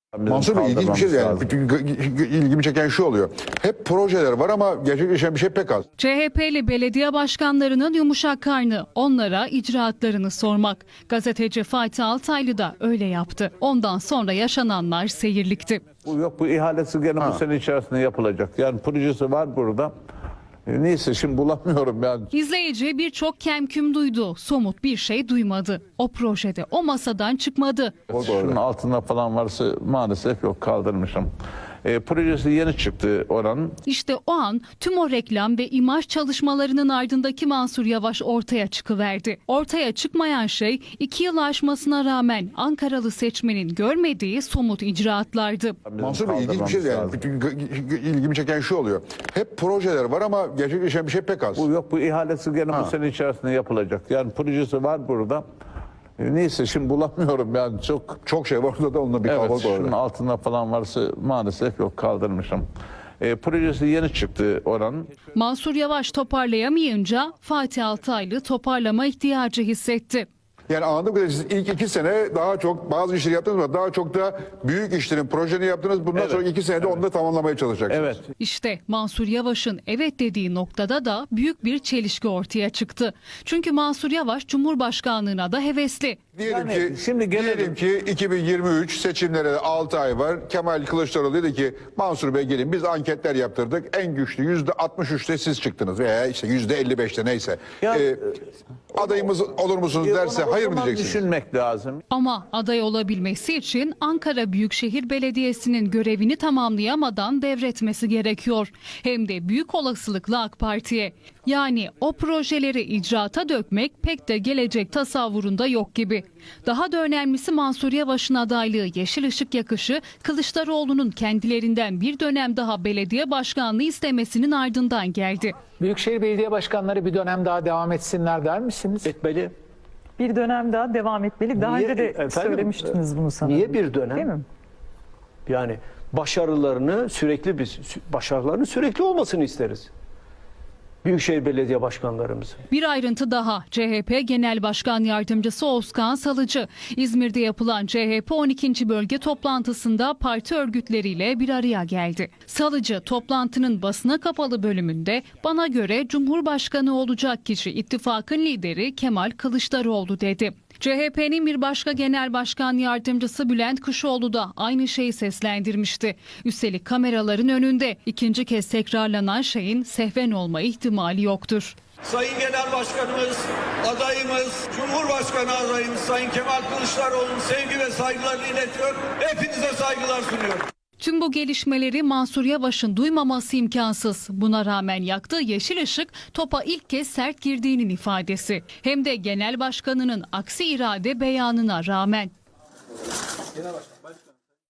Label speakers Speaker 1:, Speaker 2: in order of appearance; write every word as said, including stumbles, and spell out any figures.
Speaker 1: Mansur Bey ilginç bir şey yani. İlgimi çeken şu oluyor. Hep projeler var ama gerçekleşen bir şey pek az.
Speaker 2: C H P'li belediye başkanlarının yumuşak karnı, onlara icraatlarını sormak. Gazeteci Fatih Altaylı da öyle yaptı. Ondan sonra yaşananlar seyirlikti.
Speaker 3: Bu yok, bu ihalesi gene ha. bu sene içerisinde yapılacak. Yani projesi var burada. E, neyse şimdi bulamıyorum yani.
Speaker 2: İzleyici birçok kemküm duydu, somut bir şey duymadı. O projede o masadan çıkmadı.
Speaker 3: Şunun altında falan varsa maalesef yok, kaldırmışım. E, projesi yeni çıktı oranın.
Speaker 2: İşte o an tüm o reklam ve imaj çalışmalarının ardındaki Mansur Yavaş ortaya çıkıverdi. Ortaya çıkmayan şey iki yıl aşmasına rağmen Ankaralı seçmenin görmediği somut icraatlardı.
Speaker 1: Mansur Bey ilginç bir şey yani. İlgimi çeken şu oluyor. Hep projeler var ama gerçekleşen bir şey pek az.
Speaker 3: Bu yok, bu ihalesi gene ha. bu sene içerisinde yapılacak. Yani projesi var burada. E, neyse şimdi bulamıyorum yani çok
Speaker 1: çok şey var orada da onunla bir
Speaker 3: evet,
Speaker 1: kavga var.
Speaker 3: Şunun altında falan varsa maalesef yok, kaldırmışım. E, projesi yeni çıktı oranın.
Speaker 2: Mansur Yavaş toparlayamayınca Fatih Altaylı toparlama ihtiyacı hissetti.
Speaker 1: Yani anladığım kadarıyla siz ilk iki sene daha çok bazı işleri yaptınız ama daha çok da büyük işlerin projeni yaptınız. Bundan evet. sonra iki senede evet. onu da tamamlamaya çalışacaksınız.
Speaker 3: Evet.
Speaker 2: İşte Mansur Yavaş'ın evet dediği noktada da büyük bir çelişki ortaya çıktı. Çünkü Mansur Yavaş Cumhurbaşkanlığına da hevesli.
Speaker 1: Diyelim
Speaker 3: yani
Speaker 1: ki şimdi diyelim ki iki bin yirmi üç seçimlere altı ay var. Kemal Kılıçdaroğlu dedi ki Mansur Bey gelin biz anketler yaptırdık. En güçlü yüzde altmış üçte siz çıktınız veya işte yüzde elli beşte neyse. Ya, ee, adayımız olur musunuz derse hayır mı diyeceksiniz?
Speaker 3: Düşünmek lazım.
Speaker 2: Ama aday olabilmesi için Ankara Büyükşehir Belediyesi'nin görevini tamamlayamadan devretmesi gerekiyor. Hem de büyük olasılıkla AK Parti'ye. Yani o projeleri icraata dökmek pek de gelecek tasavvurunda yok gibi. Daha da önemlisi Mansur Yavaş'ın adaylığı yeşil ışık yakışı Kılıçdaroğlu'nun kendilerinden bir dönem daha belediye başkanlığı istemesinin ardından geldi.
Speaker 4: Büyükşehir Belediye Başkanları bir dönem daha devam etsinler der misiniz?
Speaker 5: Etmeli.
Speaker 6: Bir dönem daha devam etmeli. Daha
Speaker 5: niye,
Speaker 6: önce de
Speaker 5: efendim,
Speaker 6: söylemiştiniz bunu sanırım.
Speaker 5: Niye bir dönem?
Speaker 6: Değil mi?
Speaker 5: Yani başarılarını sürekli biz başarılarının sürekli olmasını isteriz. Büyükşehir Belediye Başkanlarımız.
Speaker 2: Bir ayrıntı daha. C H P Genel Başkan Yardımcısı Özkan Salıcı, İzmir'de yapılan C H P on ikinci bölge toplantısında parti örgütleriyle bir araya geldi. Salıcı toplantının basına kapalı bölümünde bana göre Cumhurbaşkanı olacak kişi ittifakın lideri Kemal Kılıçdaroğlu dedi. C H P'nin bir başka genel başkan yardımcısı Bülent Kuşoğlu da aynı şeyi seslendirmişti. Üstelik kameraların önünde ikinci kez tekrarlanan şeyin sehven olma ihtimali yoktur.
Speaker 7: Sayın Genel Başkanımız, adayımız, Cumhurbaşkanı adayımız Sayın Kemal Kılıçdaroğlu'nun sevgi ve saygılarını iletiyor. Hepinize saygılar sunuyorum.
Speaker 2: Tüm bu gelişmeleri Mansur Yavaş'ın duymaması imkansız. Buna rağmen yaktığı yeşil ışık topa ilk kez sert girdiğinin ifadesi. Hem de genel başkanının aksi irade beyanına rağmen. Genel başkan,